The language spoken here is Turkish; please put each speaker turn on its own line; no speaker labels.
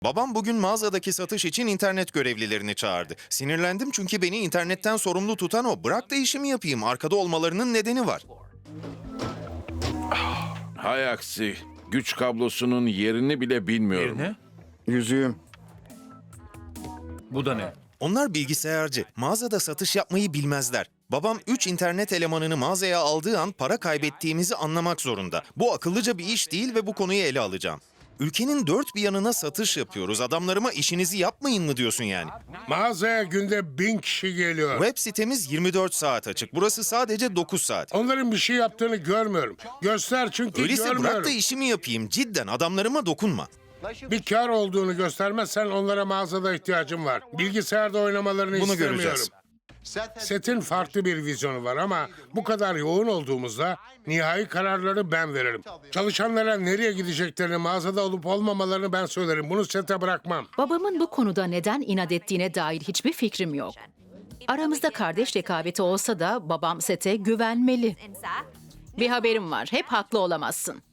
Babam bugün mağazadaki satış için internet görevlilerini çağırdı. Sinirlendim çünkü beni internetten sorumlu tutan o. Bırak da işimi yapayım. Arkada olmalarının nedeni var.
Hay aksi. Güç kablosunun yerini bile bilmiyorum.
Ne?
Yüzüğüm.
Bu da ne?
Onlar bilgisayarcı. Mağazada satış yapmayı bilmezler. Babam 3 internet elemanını mağazaya aldığı an para kaybettiğimizi anlamak zorunda. Bu akıllıca bir iş değil ve bu konuyu ele alacağım. Ülkenin dört bir yanına satış yapıyoruz. Adamlarıma işinizi yapmayın mı diyorsun yani?
Mağazaya günde 1000 kişi geliyor.
Web sitemiz 24 saat açık. Burası sadece 9 saat.
Onların bir şey yaptığını görmüyorum. Göster çünkü
Öyleyse
görmüyorum.
bırak da işimi yapayım. Cidden adamlarıma dokunma.
Bir kar olduğunu göstermezsen onlara mağazada ihtiyacım var. Bilgisayarda oynamalarını
Bunu
istemiyorum.
göreceğiz.
Set'in farklı bir vizyonu var ama bu kadar yoğun olduğumuzda nihai kararları ben veririm. Çalışanlara nereye gideceklerini, mağazada olup olmamalarını ben söylerim. Bunu Set'e bırakmam.
Babamın bu konuda neden inat ettiğine dair hiçbir fikrim yok. Aramızda kardeş rekabeti olsa da babam Sete güvenmeli. Bir haberim var, hep haklı olamazsın.